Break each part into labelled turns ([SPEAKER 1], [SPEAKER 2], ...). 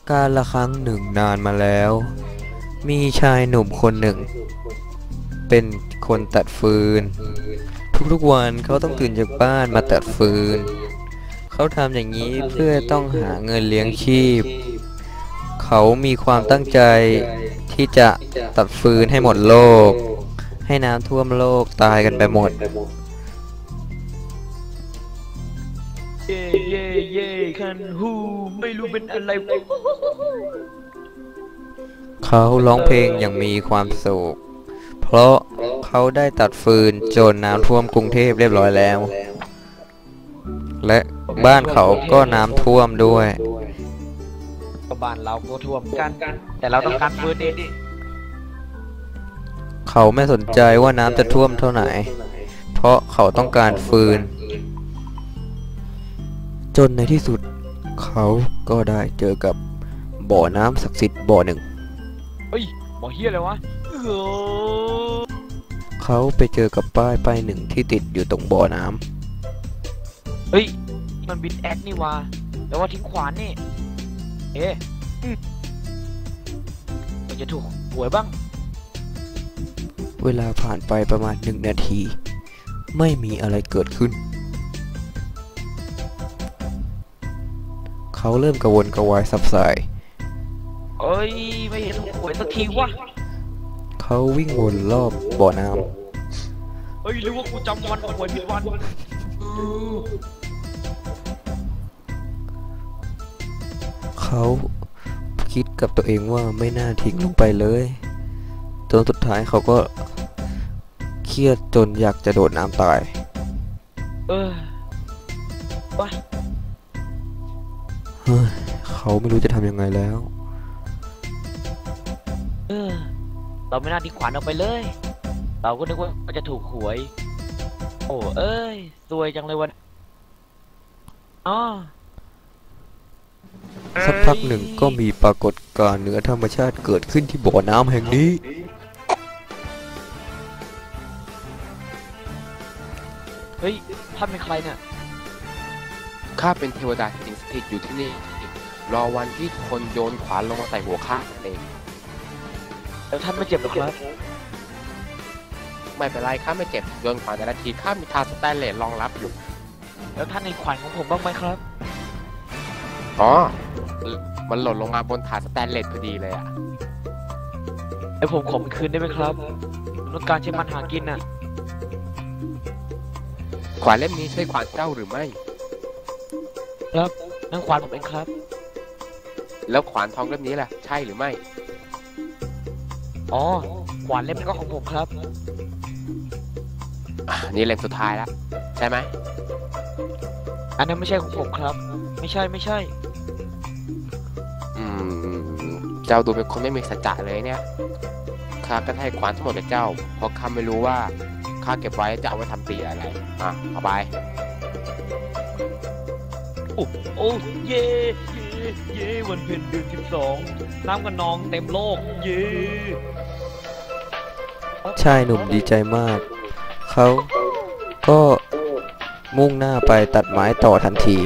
[SPEAKER 1] กาลละครั้งหนึ่งนานมาแล้ว มีชายหนุ่มคนหนึ่งเป็นคนตัดฟืนทุกๆวันเขาต้องตื่นจากบ้านมาตัดฟืนเขาทำอย่างนี้เพื่อต้องหาเงินเลี้ยงชีพเขามีความตั้งใจที่จะตัดฟืนให้หมดโลกให้น้ำท่วมโลกตายกันไปหมด
[SPEAKER 2] เย่เย่เย่คันฮูไม่รู้เป็นอะไร
[SPEAKER 1] เขาร้องเพลงอย่างมีความสุขเพราะเขาได้ตัดฟืนจนน้ำท่วมกรุงเทพเรียบร้อยแล้วและบ้านเขาก็น้ำท่วมด้วย
[SPEAKER 2] บ้านเราก็ท่วมกันแต่เราต้องการฟืนดิ
[SPEAKER 1] เขาไม่สนใจว่าน้ำจะท่วมเท่าไหร่เพราะเขาต้องการฟืนจนในที่สุดเขาก็ได้เจอกับบ่อน้ำศักดิ์สิทธิ์บ่อหนึ่ง
[SPEAKER 2] เฮ้ยบ่อเฮียอะไรวะ
[SPEAKER 1] เขาไปเจอกับป้ายหนึ่งที่ติดอยู่ตรงบ่อน้ำ
[SPEAKER 2] เฮ้ยมันบิดแอคนี่วะแต่ว่าทิ้งขวานนี่มันจะถูกหวยบ้าง
[SPEAKER 1] เวลาผ่านไปประมาณ1 นาทีไม่มีอะไรเกิดขึ้นเขาเริ่มกระวนกระวายสับสาย
[SPEAKER 2] เอ้ยไม่เห็นถูกหวยสักทีวะ
[SPEAKER 1] เขาวิ่งวนรอบบ่อน้
[SPEAKER 2] ำเฮ้ยหรือว่ากูจำวันหวยผิดวัน
[SPEAKER 1] เขาคิดกับตัวเองว่าไม่น่าทิ้งลงไปเลยจนสุดท้ายเขาก็เครียดจนอยากจะโดดน้ำตาย
[SPEAKER 2] วะ
[SPEAKER 1] เขาไม่รู้จะทำยังไงแล้ว
[SPEAKER 2] เราไม่น่าทิ้งขวานออกไปเลยเราก็นึกว่าจะถูกหวยโอ้เอ้ยซวยจังเลยวัน
[SPEAKER 1] สักพักหนึ่งก็มีปรากฏการณ์เหนือธรรมชาติเกิดขึ้นที่บ่อน้ำแห่งนี้
[SPEAKER 2] เฮ้ยท่านเป็นใครเนี่ย
[SPEAKER 3] ข้าเป็นเทวดาที่สิงสถิตอยู่ที่นี่รอวันที่คนโยนขวานลงมาใส่หัวข้าเอง
[SPEAKER 2] แล้วท่านไม่เจ็บหรอครับ
[SPEAKER 3] ไม่เป็นไรข้าไม่เจ็บโยนขวานแต่ละทีข้ามีทาสแตนเลสรองรับอยู่
[SPEAKER 2] แล้วท่านในขวานของผมบ้างไหมครับ
[SPEAKER 3] อ๋อมันหล่นลงมาบนถาดสแตนเลสพอดีเลยอ่ะ
[SPEAKER 2] ไอผมขอมันคืนได้ไหมครับต้องการใช้มันหากินน่ะ
[SPEAKER 3] ขวานเล่มนี้ใช่ขวานเจ้าหรือไม่
[SPEAKER 2] ครับนั่นขวานผมเองครับ
[SPEAKER 3] แล้วขวานทองเล่มนี้ล่ะใช่หรือไม่
[SPEAKER 2] อ๋อขวานเล่มนี้ก็ของผมครับ
[SPEAKER 3] นี่เล่มสุดท้ายแล้วใช่ไหม
[SPEAKER 2] อันนั้นไม่ใช่ของผมครับไม่ใช่
[SPEAKER 3] เจ้าดูเป็นคนไม่มีสัจจะเลยเนี่ยข้าก็ให้ขวานทั้งหมดกับเจ้าเพราะข้าไม่รู้ว่าข้าเก็บไว้จะเอาไว้ทำตีอะไรเอาไป
[SPEAKER 2] โอ้เย่วันเพ็ญเดือน12น้ำกันนองเต็มโลกเย่
[SPEAKER 1] ชายหนุ่มดีใจมากเขาก็มุ่งหน้าไปตัดไม้ต่อทันที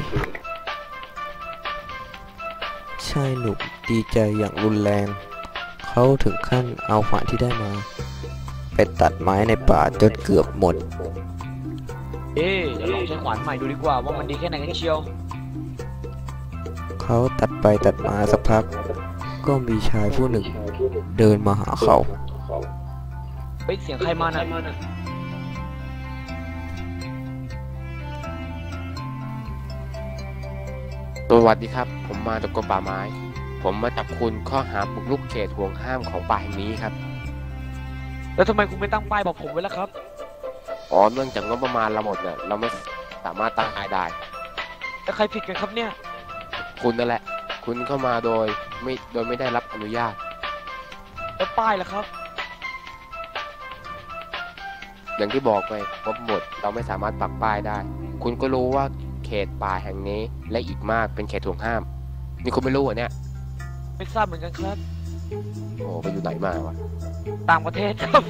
[SPEAKER 1] ชายหนุ่มดีใจอย่างรุนแรงเขาถึงขั้นเอาขวานที่ได้มาไปตัดไม้ในป่าจนเกือบหมด
[SPEAKER 2] เดี๋ยวลองใช้ขวานใหม่ดูดีกว่าว่ามันดีแค่ไหนกันเชียว
[SPEAKER 1] เขาตัดไปตัดมาสักพักก็มีชายผู้หนึ่งเดินมาหาเขา
[SPEAKER 2] เสียงใครมาน่ะ
[SPEAKER 3] สวัสดีครับผมมาจากกรมป่าไม้ผมมาจับคุณข้อหาบุกรุกเขตห่วงห้ามของป่าแห่งนี้ครับ
[SPEAKER 2] แล้วทำไมคุณไม่ตั้งป้ายบอกผมไว้ล่ะครับ
[SPEAKER 3] เนื่องจากงบประมาณเราหมดเนี่ยเราไม่สามารถตั้งป้ายได้
[SPEAKER 2] แล้วใครผิดกันครับเนี่ย
[SPEAKER 3] คุณนั่นแหละคุณเข้ามาโดยไม่ได้รับอนุญาต
[SPEAKER 2] แล้วป้ายล่ะครับ
[SPEAKER 3] อย่างที่บอกไปงบหมดเราไม่สามารถปักป้ายได้คุณก็รู้ว่าเขตป่าแห่งนี้และอีกมากเป็นเขตห่วงห้ามนี่คุณไม่รู้เหรอเนี่ย
[SPEAKER 2] ไม่ทราบเหมือนกันครับ
[SPEAKER 3] ไปอยู่ไหนมาวะ
[SPEAKER 2] ต่างประเทศครับ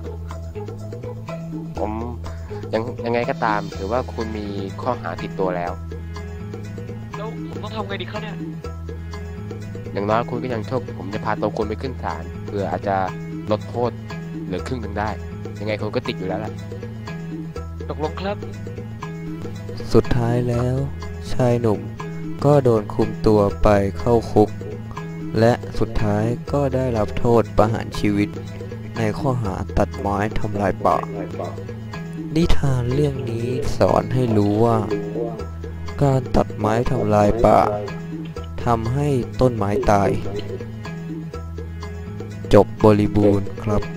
[SPEAKER 3] ผมยังไงก็ตามถือว่าคุณมีข้อหาติดตัวแล้ว
[SPEAKER 2] ผมต้องทำไงดีครับเนี่ย
[SPEAKER 3] อย่างน้อยคุณก็ยังโชคผมจะพาตัวคุณไปขึ้นศาลเพื่ออาจจะลดโทษเหลือครึ่งหนึ่งได้ ยังไงคุณก็ติดอยู่แล้วแหละ
[SPEAKER 2] ตกลงครับ
[SPEAKER 1] สุดท้ายแล้ว ชายหนุ่มก็โดนคุมตัวไปเข้าคุก และสุดท้ายก็ได้รับโทษประหารชีวิตในข้อหาตัดไม้ทำลายป่า นิทานเรื่องนี้สอนให้รู้ว่า การตัดไม้ทำลายป่าทำให้ต้นไม้ตาย จบบริบูรณ์ครับ